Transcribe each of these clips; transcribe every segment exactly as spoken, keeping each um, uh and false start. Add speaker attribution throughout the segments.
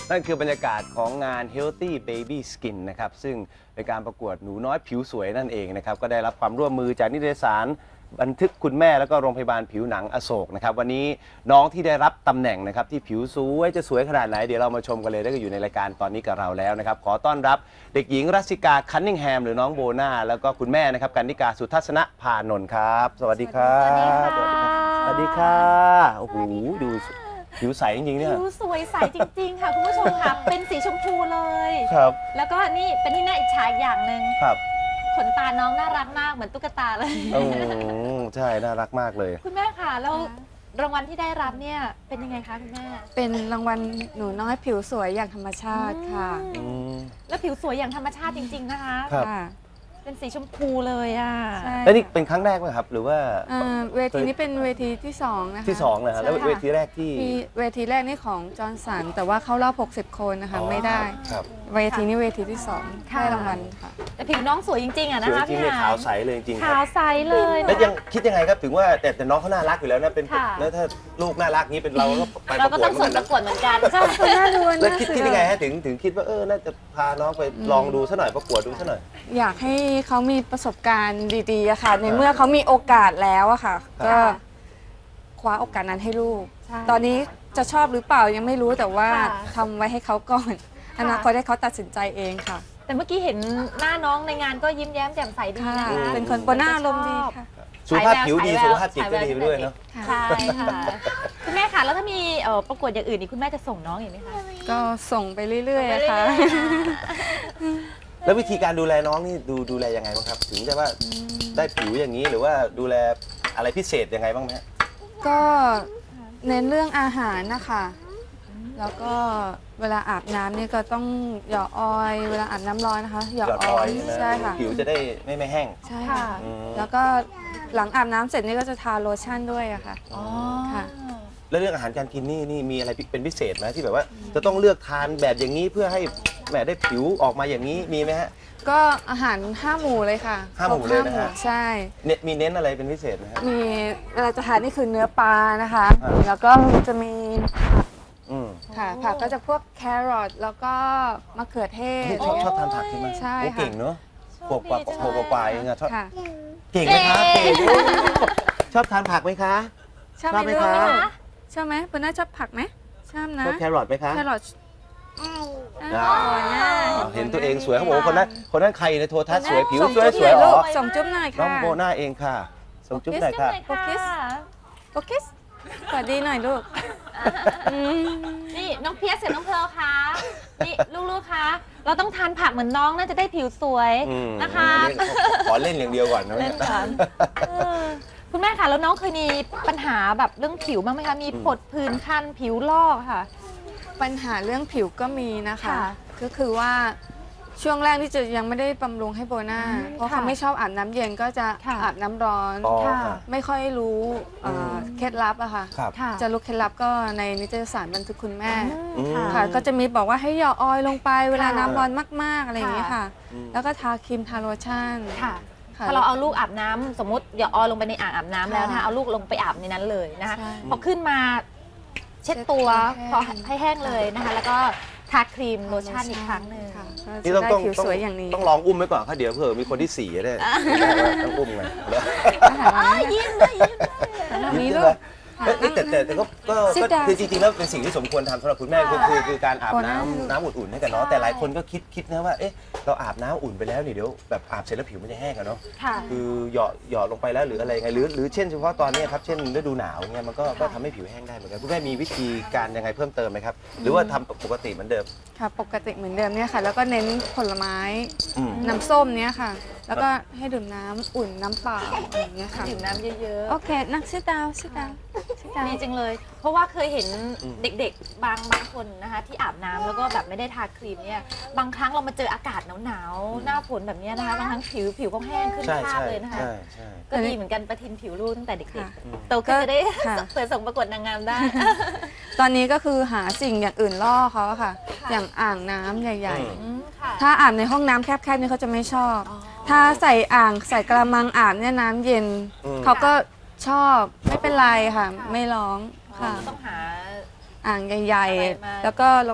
Speaker 1: นั่นคือบรรยากาศของงาน Healthy Baby Skin นะครับซึ่งเป็นการประกวดหนูน้อยผิวสวยนั่นเองนะครับก็ได้รับความร่วมมือจากนิตยสารบันทึกคุณแม่แล้วก็โรงพยาบาลผิวหนังอโศกนะครับวันนี้น้องที่ได้รับตำแหน่งนะครับที่ผิวสวยจะสวยขนาดไหนเดี๋ยวเรามาชมกันเลยได้ก็อยู่ในรายการตอนนี้กับเราแล้วนะครับขอต้อนรับเด็กหญิงรัสสิกาคันนิงแฮมหรือน้องโบนาแล้วก็คุณแม่นะครับกันนิกาสุทัศนพานนท์ครับสวัสดีครับสวัสดีค่ะโอ้โหดูผิวใสจริงๆเนี่ย
Speaker 2: ผิวสวยใสจริงๆค่ะคุณผู้ชมค่ะ เป็นสีชมพูเลย
Speaker 1: ครับ
Speaker 2: แล้วก็นี่เป็นที่น่าอิจฉาอย่างหนึ่ง
Speaker 1: ครับ
Speaker 2: ขนตาน้องน่ารักมากเหมือนตุ๊กตาเลย
Speaker 1: โอ้ใช่น่ารักมากเลย
Speaker 2: คุณแม่ค่ะแล้วรางวัลที่ได้รับเนี่ยเป็นยังไงคะคุณแม่
Speaker 3: เป็นรางวัลหนูน้อยผิวสวยอย่างธรรมชาติค่ะ
Speaker 1: อืม
Speaker 2: แล้วผิวสวยอย่างธรรมชาติจริงๆนะคะ
Speaker 1: ครับ
Speaker 3: ค่ะ
Speaker 2: เป็นสีชมพูเลยอ่ะ
Speaker 3: ใช่
Speaker 1: แล้วนี่เป็นครั้งแรกไหมครับ หรือว่า
Speaker 3: อ่าเวทีนี้เป็นเวทีที่สองนะคะ
Speaker 1: ที่สองนะฮะแล้ว
Speaker 3: ใช่ค่ะ
Speaker 1: เวทีแรกที่
Speaker 3: มีเวทีแรกนี่ของจอห์นสันแต่ว่าเข้ารอบหกสิบคนนะคะ
Speaker 1: อ๋อ
Speaker 3: ไม่ได้
Speaker 1: ครับ
Speaker 3: เวทีนี้เวทีที่สอง
Speaker 2: ค่ะ
Speaker 3: ได้รางวัลค่ะ
Speaker 2: แต่ผิวน้องสวยจริงๆอ่ะ
Speaker 1: ส
Speaker 2: นะ
Speaker 1: วย
Speaker 2: คะ
Speaker 1: จริง
Speaker 2: พี่
Speaker 1: เลย
Speaker 2: หา
Speaker 1: ขาวใสเลยจริงๆค
Speaker 2: ขา
Speaker 1: รั
Speaker 2: ว
Speaker 1: บ
Speaker 2: ใสเลย
Speaker 1: แล้วยังคิดยังไงครับถึงว่าแต่แต่น้องเขาน่ารักอยู่แล้วนะเป็น
Speaker 2: ค่ะ
Speaker 1: แล้วถ้าลูกน่ารักนี้เป็นเราก็ไปป
Speaker 2: เรา
Speaker 1: ระ
Speaker 2: ก็
Speaker 1: กว
Speaker 2: ต้
Speaker 1: ด
Speaker 2: อง
Speaker 1: เหมื
Speaker 2: ส่
Speaker 1: อง น
Speaker 2: ป
Speaker 1: กัน
Speaker 2: ระ
Speaker 1: นะ
Speaker 2: กวดเหมือนกัน
Speaker 3: ใช่คุณแม่ดู
Speaker 1: แล้ว
Speaker 3: นะ
Speaker 1: คิดคิดยังไงฮะถึงถึงคิดว่าเออน่าจะพาน้องไปลองดูซะหน่อยประกวดดูซะหน่อย
Speaker 3: อยากให้เขามีประสบการณ์ดีๆอะค่ะ ในเมื่อเขามีโอกาสแล้วอะค่ะ ก็คว้าโอกาสนั้นให้ลูก
Speaker 2: ใช่
Speaker 3: ตอนนี้จะชอบหรือเปล่ายังไม่รู้แต่ว่า
Speaker 2: ค่ะ
Speaker 3: ทำไว้ให้เขาก่อนอนาคตให้เขาตัดสินใจเองค่ะ
Speaker 2: แต่เมื่อกี้เห็นหน้าน้องในงานก็ยิ้มแย้มแจ่มใสดี
Speaker 3: ค่ะ
Speaker 2: นะคะ
Speaker 3: เป็นคนโบน่าอารมณ์ดีค่ะ
Speaker 1: สุขภาพผิวดี
Speaker 2: ฉายแวว
Speaker 1: สุขภาพจิตก็ดีไปด้วยเนาะ
Speaker 2: ใช่ค่ะคุณแม่ค่ะแล้วถ้ามีเอ่อประกวดอย่างอื่นนี่คุณแม่จะส่งน้องอีกไหมคะ
Speaker 3: ก็ส่งไปเรื่อยๆอะค่ะ
Speaker 1: แล้ววิธีการดูแลน้องนี่ดูดูแลยังไงบ้างครับ ถึงจะว่าได้ผิวอย่างนี้หรือว่าดูแลอะไรพิเศษยังไงบ้างไหมฮะ
Speaker 3: ก็เน้นเรื่องอาหารนะคะ แล้วก็เวลาอาบน้ำนี่ก็ต้องหยอดออยล์เวลาอาบน้ำร้อนนะคะหยอด
Speaker 1: หยอด
Speaker 3: อ
Speaker 1: อ
Speaker 3: อ
Speaker 1: อย ย
Speaker 3: ล์
Speaker 1: ล์
Speaker 3: ใช่
Speaker 1: นะ
Speaker 3: ค่ะ
Speaker 1: ผิวจะได้ไม่ไม่แห้ง
Speaker 3: ใช่ค่ะ
Speaker 1: อืม
Speaker 3: แล้วก็หลังอาบน้ำเสร็จนี่ก็จะทาโลชั่นด้วยอะค่ะ
Speaker 2: อ๋อ
Speaker 3: ค่ะ
Speaker 1: แล้วเรื่องอาหารการกินนี่นี่มีอะไรเป็นพิเศษไหมที่แบบว่า จะต้องเลือกทานแบบอย่างนี้เพื่อให้แหมได้ผิวออกมาอย่างนี้มีไหมฮะ
Speaker 3: ก็อาหารห้าหมู่เลยค่ะ
Speaker 1: ห้าหมู่เลยนะฮะ
Speaker 3: ครบห้าใช่
Speaker 1: เนี่ยมีเน้นอะไรเป็นพิเศษไหมฮะ
Speaker 3: มีเวลาจะทานนี่คือเนื้อปลานะคะ
Speaker 1: อ่า
Speaker 3: แล้วก็จะมีผัก
Speaker 1: อืม
Speaker 3: ค่ะผักก็จะพวกแครอทแล้วก็มะเขือเทศ
Speaker 1: นี่ชอบชอบทานผักใช่ไหม
Speaker 3: ใช่
Speaker 1: โอ้
Speaker 3: ค่ะ
Speaker 1: เก่งเนอะขวบกว่าขวบกว่าๆเองอะชอบ
Speaker 3: ค่ะ
Speaker 1: เก่งนะครับเก่งชอบทานผักไหมคะ
Speaker 3: ชอบ
Speaker 1: ชอบไห
Speaker 3: ไห
Speaker 1: ม
Speaker 3: ม
Speaker 1: คะ
Speaker 3: ลูกชอบไหมปุณน่าชอบผักไหมชอบนะ
Speaker 1: ชอบแครอทไหมคะ
Speaker 3: แครอท
Speaker 1: อ่า
Speaker 3: อ๋อน่า
Speaker 1: เห็นตัวเองสวยเขาบอกว่าคนนั้นคนนั้นใครในโทรทัศน์สวยผิว
Speaker 3: ส่ง
Speaker 1: สวย
Speaker 3: จุ๊บ
Speaker 1: สวย
Speaker 3: หน่
Speaker 1: อ๋
Speaker 3: ลู
Speaker 1: อก
Speaker 3: ส่งจุ๊บหน่อย
Speaker 1: น้อง
Speaker 3: ค่ะ
Speaker 1: โบน่าเองค่ะส่งจุ๊บหน่อยค่ะ
Speaker 2: โอเคค่ะ
Speaker 3: โอเคสวัสดีหน่อยลูกอืม
Speaker 2: นี่น้องเพียสกับน้องเพร์ลคะนี่ลูกๆคะเราต้องทานผักเหมือนน้องน่าจะได้ผิวสวย
Speaker 1: อืม
Speaker 2: นะคะ
Speaker 1: เล่นขอเล่นอย่างเดียวก่อนนะ
Speaker 2: เล่นก่อน เออคุณแม่คะแล้วน้องเคยมีปัญหาแบบเรื่องผิวบ้างไหมคะมีผดผื่นคันผิวลอกค่ะ
Speaker 3: ปัญหาเรื่องผิวก็มีนะคะ
Speaker 2: ค่ะ
Speaker 3: ก็คือว่าช่วงแรกที่จะยังไม่ได้บำรุงให้โบน่า
Speaker 2: อืม
Speaker 3: เพราะ
Speaker 2: ค่ะ
Speaker 3: เขาไม่ชอบอาบน้ำเย็นก็จะ
Speaker 2: ค่ะ
Speaker 3: อาบน้ำร้อน
Speaker 1: อ๋อ
Speaker 2: ค่ะ
Speaker 1: ค่ะ
Speaker 3: ไม่ค่อยรู้เอ่อเคล็ดลับอะค่ะ
Speaker 1: ครับ
Speaker 2: ค่ะ
Speaker 3: จะรู้เคล็ดลับก็ในนิตยสารบันทึกคุณแม่
Speaker 1: อืม
Speaker 3: ค่ะ ก็จะมีบอกว่าให้หยอดออยล์ลงไปเวลา
Speaker 2: ค่ะ
Speaker 3: น้ำร้อนมากๆอะไรอย่างเงี้ยค่ะ
Speaker 1: อืม
Speaker 3: แล้วก็ทาครีมทาโลชั่น
Speaker 2: ค่ะ
Speaker 3: ค่ะ
Speaker 2: ถ้าเราเอาลูกอาบน้ำสมมติอย่าออลงไปในอ่างอาบน้ำแล้ว
Speaker 3: ค่ะ
Speaker 2: นะคะเอาลูกลงไปอาบในนั้นเลยนะคะ
Speaker 3: ใช่
Speaker 2: พอขึ้นมาเช็ดตัว
Speaker 3: เช็ด
Speaker 2: พอ
Speaker 3: ให้แห้ง
Speaker 2: ให้แห้งเลยนะคะ แล้วก็ทาครีมโลชั่นอีกครั้งหนึ่ง
Speaker 3: ค่ะ
Speaker 1: นี่
Speaker 3: ก็
Speaker 1: ต้อง
Speaker 3: จะได้
Speaker 1: ต้อง
Speaker 3: ผิว
Speaker 1: ต้อง
Speaker 3: สวยอย่างนี้
Speaker 1: ต้องลองอุ้มไว้ก่อนค่ะเดี๋ยวเผื่อมีคนที่สี่ได้ต้องอุ้มไงเดี๋ยว
Speaker 2: ยิ้มเลยยิ้มเลย
Speaker 3: มี
Speaker 1: ใช่
Speaker 3: ลู
Speaker 1: ไหม
Speaker 3: ก
Speaker 1: เอ้ยแต่แต่แต่ก็ก็
Speaker 3: Sit
Speaker 1: ก็
Speaker 3: down
Speaker 1: คือจริงๆแล้วเป็นสิ่งที่สมควรทำสำหรับคุณแม่คือคือคือการอาบ
Speaker 3: คนนั้
Speaker 1: น้ำ
Speaker 3: น
Speaker 1: น้ำอุ่นๆให้กับน้องแต่หลายคนก็คิดคิดนะว่าเอ๊ะเราอาบน้ำอุ่นไปแล้วนี่เดี๋ยวแบบอาบเสร็จแล้วผิวมันจะแห้งอะเนาะ
Speaker 2: ค่ะ
Speaker 1: คือหยอดหยอดลงไปแล้วหรืออะไรไงหรือหรือเช่นเฉพาะตอนนี้ครับเช่นฤดูหนาวเงี้ยมันก็ก็ทำให้ผิวแห้งได้เหมือนกันคุณแม่มีวิธีการยังไงเพิ่มเติมไหมครับหรือว่าทำปกติเหมือนเดิม
Speaker 3: ค่ะปกติเหมือนเดิมเนี่ยค่ะ แล้วก็เน้นผลไม้
Speaker 1: อืม
Speaker 3: น้ำส้มเนี่ยค่ะ แล้วก็ให้ดื่มน้ำอุ่นน้ำเปล่าอะไรอย่างเงี้ยค่ะ
Speaker 2: ดื่มน้ำเยอะ
Speaker 3: โอเค นั่งชิดดาวชิดดาวชิดดาว
Speaker 2: ๆดีจังเลย เพราะว่าเคยเห็น
Speaker 1: อืม
Speaker 2: เด็กๆ บางบางคนนะคะที่อาบน้ำแล้วก็แบบไม่ได้ทาครีมเนี่ยบางครั้งเรามาเจออากาศหนาวๆหน้าฝนแบบเนี้ยนะคะบางครั้งผิวผิวก็แห้งขึ้น
Speaker 1: ใช่
Speaker 2: ภา
Speaker 1: ใช่
Speaker 2: พเลยนะคะ
Speaker 1: ใช่ใช่
Speaker 2: ก็ดีเหมือนกันประทินผิวลูกตั้งแต่เด็ก
Speaker 3: ค่ะ
Speaker 2: ๆโตขึ้นจะได้
Speaker 3: ค่ะ
Speaker 2: เปิดส่งประกวดนางงามได้
Speaker 3: ตอนนี้ก็คือหาสิ่งอย่างอื่นล่อเขาอะค่ะ
Speaker 2: ค่ะ
Speaker 3: อย่างอ่างน้ำใหญ่
Speaker 1: อืม
Speaker 2: อืมค่ะ
Speaker 3: ๆ ถ้าอาบในห้องน้ำแคบๆนี่เขาจะไม่ชอบ
Speaker 2: อ๋อ
Speaker 3: ถ้าใส่อ่างใส่กระมังอาบเนี่ยน้ำเย็น
Speaker 1: อืม
Speaker 3: เขาก็ชอบไม่เป็นไรค่ะ
Speaker 2: ค่ะ
Speaker 3: ไม่ร้องค่ะ
Speaker 2: ต้องหา
Speaker 3: อ่างใหญ่
Speaker 2: อะไรมา
Speaker 3: ๆ แล้วก็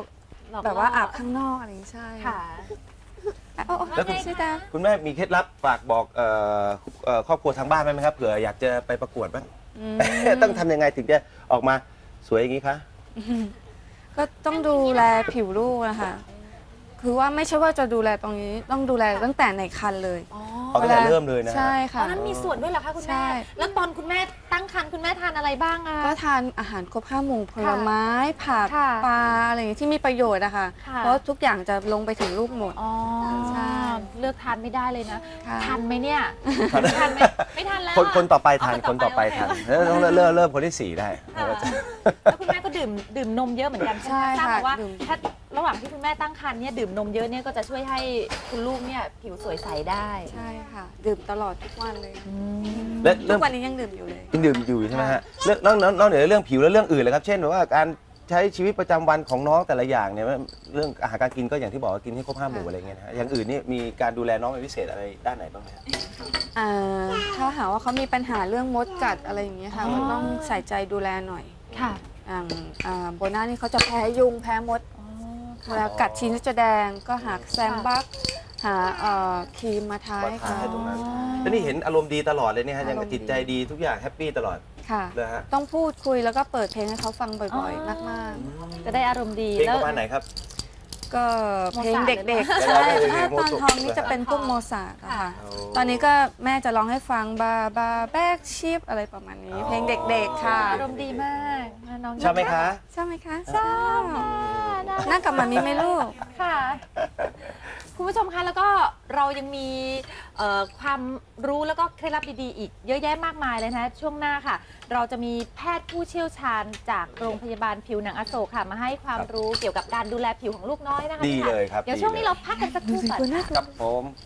Speaker 2: หลอก
Speaker 3: แบบว่า
Speaker 2: ล่อ
Speaker 3: อาบข้างนอกอะไรอย่างนี้ใช่
Speaker 2: ค่ะ
Speaker 3: อ่ะโอ้โอ้
Speaker 1: แล้วคุณ
Speaker 3: ชื่อตา
Speaker 1: คุณแม่มีเคล็ดลับฝากบอกเอ่อเอ่อครอบครัวทางบ้านไหมครับเผื่ออยากจะไปประกวดบ้าง
Speaker 3: อืม
Speaker 1: ต้องทำยังไงถึงจะออกมาสวยอย่างนี้คะ
Speaker 3: ก็ต้องดูแลผิวลูกนะคะคือว่าไม่ใช่ว่าจะดูแลตรงนี้ต้องดูแลตั้งแต่ในครรภ์เลย
Speaker 2: อ๋อ
Speaker 1: เอาตั้งแต่เริ่มเลยนะฮะ
Speaker 3: ใช่
Speaker 2: ตอ
Speaker 3: ค่ะ
Speaker 2: นนั้นมีส่วนด้วยเหรอคะคุณ
Speaker 3: ใช่
Speaker 2: แม่ แล้วตอนคุณแม่ตั้งครรภ์คุณแม่ทานอะไรบ้างอะ
Speaker 3: ก็ทานอาหารครบห้าหมู่ผลไม้ผัก
Speaker 2: ค่ะ
Speaker 3: ปลาอะไรอย่างนี้ที่มีประโยชน์อะค่ะ
Speaker 2: ค่ะ
Speaker 3: เพราะทุกอย่างจะลงไปถึงลูกหมด
Speaker 2: อ๋อ
Speaker 3: ใช่
Speaker 2: เลือกทานไม่ได้เลยนะ
Speaker 3: ค่ะ
Speaker 2: ทันไหมเนี่ยทันไหมไม่ทันแล้ว
Speaker 1: คน
Speaker 2: อะ
Speaker 1: คนต่อไปทาน
Speaker 2: เา
Speaker 1: คนต่อไป
Speaker 2: โเค
Speaker 1: ทานแล้วต้องเริ่มเริ่มเริ่มคนที่สี่ได้
Speaker 2: ค่ะ
Speaker 1: แล้วก็จะ
Speaker 2: แล้วคุณแม่ก็ดื่มดื่มนมเยอะเหมือนกันใช่ไหม
Speaker 3: ใช่
Speaker 2: ทราบ
Speaker 3: ค่ะ
Speaker 2: มาว่า
Speaker 3: ดื่ม
Speaker 2: ถ้าระหว่างที่คุณแม่ตั้งครรภ์เนี่ยดื่มนมเยอะเนี่ยก็จะช่วยให้คุณลูกเนี่ยผิวสวยใสได้
Speaker 3: ใช่ค่ะ ดื่มตลอดทุกวันเลย
Speaker 2: อืม
Speaker 1: และ
Speaker 3: ทุ
Speaker 1: เริ่
Speaker 3: ก
Speaker 1: ม
Speaker 3: วันนี้ยังดื่มอยู่เลย
Speaker 1: ยังดื่มอยู่ใช่ไหมฮะเรื่องนอกนอกนอกเหนือเรื่องผิวแล้วเรื่องอื่นเลยครับเช่นแบบว่าการใช้ชีวิตประจำวันของน้องแต่ละอย่างเนี่ยเรื่องอาหารการกินก็อย่างที่บอกว่ากินให้ครบห้าหมู่อะไรเงี้ยนะฮะอย่างอื่นนี่มีการดูแลน้องเป็นพิเศษอะไรด้านไหนบ้างไหมฮะ
Speaker 3: อ่าถ้าหากว่าเขามีปัญหาเรื่องมดกัดอะไรอย่างเงี้ยค่ะ
Speaker 2: อ๋อ
Speaker 3: ก็ต้องใส่ใจดูแลหน่อย
Speaker 2: ค่ะ
Speaker 3: อย่างอ่าโบน่านี่เขาจะแพ้ยุงแพ้มด
Speaker 2: อ๋อ
Speaker 3: เวลากัดทีนี่จะแดงก็หาแซมบักหาเอ่อครีมมาทา
Speaker 1: มา
Speaker 3: ให้
Speaker 1: ทา
Speaker 3: เขา
Speaker 1: ให้ตรงนั้น แล้วนี่เห็นอารมณ์ดีตลอดเลยเนี่ยฮะยัง
Speaker 3: อารมณ์ดี
Speaker 1: จิตใจดีทุกอย่างแฮปปี้ตลอด
Speaker 3: ค่ะ
Speaker 1: เลยฮะ
Speaker 3: ต้องพูดคุยแล้วก็เปิดเพลงให้เขาฟังบ่อยๆ มาก
Speaker 2: จะได้อารมณ์ดี
Speaker 1: เพลง
Speaker 2: แล้
Speaker 1: ป
Speaker 2: ว
Speaker 1: ระมาณไหนครับ
Speaker 3: ๆ ก็เพลง
Speaker 2: โมซาร์ท
Speaker 3: เด็ก
Speaker 1: เลย
Speaker 3: ๆ
Speaker 1: นะ
Speaker 3: ใช่
Speaker 1: เพลง
Speaker 3: ถ้า
Speaker 1: โม
Speaker 3: ตอน
Speaker 1: ซาร์ท
Speaker 3: ท้องนี่จะเป็นพวกโมซาร์ทอะค่ะ ตอนนี้ก็แม่จะร้องให้ฟังบาบาแบกชิปอะไรประมาณนี้ เพลงเด็กๆค่ะ
Speaker 2: อารมณ์ดีมากน้อง
Speaker 1: ชอบไหมคะ
Speaker 3: ชอบไหมคะ
Speaker 2: ชอบค่ะน่ารัก
Speaker 3: นั่งกับมามีไหมลูก
Speaker 2: ค่ะ คุณผู้ชมคะแล้วก็เรายังมีเอ่อความรู้แล้วก็เคล็ดลับดีๆอีกเยอะแยะมากมายเลยนะช่วงหน้าค่ะ เราจะมีแพทย์ผู้เชี่ยวชาญจากโรงพยาบาลผิวหนังอโศกค่ะ มาให้ความรู้เกี่ยวกับการดูแลผิวของลูกน้อยนะคะ
Speaker 1: ดีเลยครับ
Speaker 2: เดี๋ยวช่วงนี้เราพักกันสักครู่ก่อนค่ะ
Speaker 1: กับผม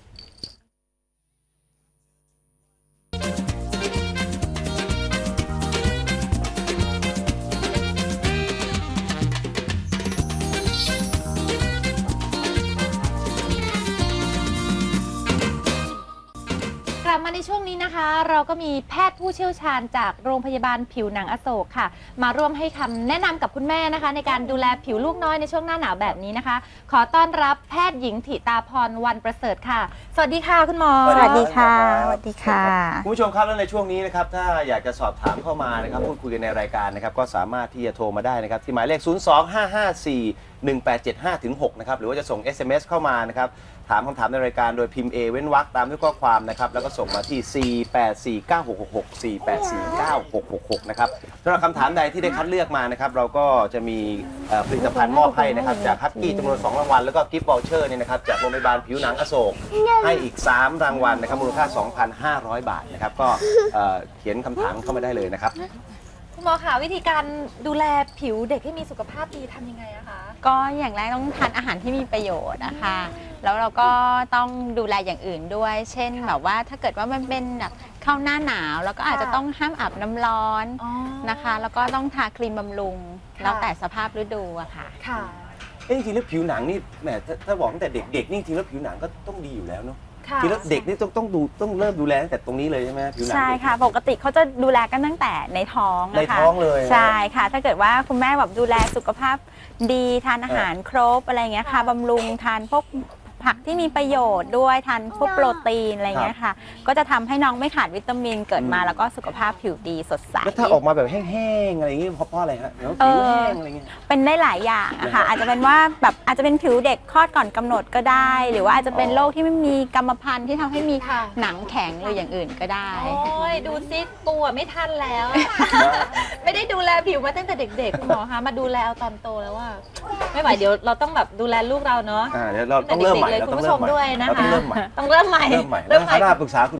Speaker 2: กลับมาในช่วงนี้นะคะ เราก็มีแพทย์ผู้เชี่ยวชาญจากโรงพยาบาลผิวหนังอโศกค่ะ มาร่วมให้คำแนะนำกับคุณแม่นะคะ ในการดูแลผิวลูกน้อยในช่วงหน้าหนาวแบบนี้นะคะ ขอต้อนรับแพทย์หญิงถิตาพรวันประเสริฐค่ะ สวัสดีค่ะคุณหมอ
Speaker 1: สวัสดีค่ะ
Speaker 4: สวัสดีค่ะ
Speaker 1: คุณผู้ชมครับแล้วในช่วงนี้นะครับถ้าอยากจะสอบถามเข้ามานะครับพูดคุยกันในรายการนะครับก็สามารถที่จะโทรมาได้นะครับที่หมายเลข ศูนย์ สอง ห้า ห้า สี่ หนึ่ง แปด เจ็ด ห้า หก นะครับหรือว่าจะส่ง เอส เอ็ม เอส เข้ามานะครับถามคำถามในรายการโดยพิมพ์ A เว้นวรรคตามด้วยข้อความนะครับแล้วก็ส่งมาที่ สี่ แปด สี่ เก้า หก หก หก สี่ แปด สี่ เก้า หก หก หก นะครับสำหรับคำถามใดที่ได้คัดเลือกมานะครับเราก็จะมีเอ่อผลิตภัณฑ์มอบให้นะครับจากฮักกี้จำนวนสองรางวัลแล้วก็กิฟต์วอลเชอร์เนี่ยนะครับจากโรงพยาบาลผิวหนังอโศกให้อีกสามรางวัลนะครับมูลค่า สองพันห้าร้อย บาทนะครับก็เอ่อเขียนคำถามเข้ามาได้เลยนะครับ
Speaker 2: คุณหมอคะวิธีการดูแลผิวเด็กให้มีสุขภาพดีทำยังไงอะคะ
Speaker 4: ก็อย่างแรกต้องทานอาหารที่มีประโยชน์นะคะแล้วเราก็ต้องดูแลอย่างอื่นด้วย เช่นแบบว่าถ้าเกิดว่ามันเป็นแบบเข้าหน้าหนาวแล้วก็อาจจะต้องห้ามอาบน้ำร้อนนะคะ แล้วก็ต้องทาครีมบำรุง
Speaker 2: ค่ะ
Speaker 4: แล้วแต่สภาพฤดูอะค่ะ
Speaker 2: ค่ะ
Speaker 1: เอ้ยจริงๆแล้วผิวหนังนี่แหมถ้าถ้าบอกตั้งแต่เด็กๆนี่จริงๆแล้วผิวหนังก็ต้องดีอยู่แล้วเนาะ
Speaker 2: ค่ะ
Speaker 1: จริงๆแล้วเด็กนี่ต้องต้องดูต้องเริ่มดูแลตั้งแต่ตรงนี้เลยใช่ไหมผิวหนัง
Speaker 4: ใช่ค่ะ ปกติเขาจะดูแลกันตั้งแต่ในท้องนะคะ
Speaker 1: ในท้องเลยนะ
Speaker 4: ใช่ค่ะ ถ้าเกิดว่าคุณแม่แบบดูแลสุขภาพดีทานอาหารครบอะไรอย่างเงี้ยค่ะบำรุงทานพวกผักที่มีประโยชน์ด้วยทานพวกโปรตีนอะไรอย่างเงี้ยค่ะ ก็จะทำให้น้องไม่ขาดวิตามินเกิดมาแล้วก็สุขภาพผิวดีสดใส
Speaker 1: แล้วถ้าออกมาแบบแห้งๆอะไรอย่างงี้เพราะเพราะอะไรฮะเดี๋ยวผิวแห้งอะไรเงี้ย
Speaker 4: เป็นได้หลายอย่างอะค่ะ อาจจะเป็นว่าแบบอาจจะเป็นผิวเด็กคลอดก่อนกำหนดก็ได้ หรือว่าอาจจะเป็นโรคที่ไม่มีกรรมพันธุ์ที่ทำให้มี
Speaker 2: ค่ะ
Speaker 4: หนังแข็งหรืออย่างอื่นก็ได้
Speaker 2: โอ้ยดูซิตัวไม่ทันแล้ว ไม่ได้ดูแลผิวมาตั้งแต่เด็กๆคุณหมอคะมาดูแลเอาตอนโตแล้วว่า ไม่ไหวเดี๋ยวเราต้องแบบดูแลลูกเราเนาะ
Speaker 1: อ่าเดี๋ยวเราต้องเริ่มใหม่
Speaker 2: เลย
Speaker 1: เรา
Speaker 2: คุณ
Speaker 1: ต้อง
Speaker 2: ผู้ช
Speaker 1: เริ่ม
Speaker 2: ม
Speaker 1: ใหม่
Speaker 2: ด้วยนะ
Speaker 1: เราต้อง
Speaker 2: คะ
Speaker 1: เริ่มใหม่
Speaker 2: ต้องเริ่มใหม่
Speaker 1: เริ่มใหม่แล้วคณะปรึกษาคุณ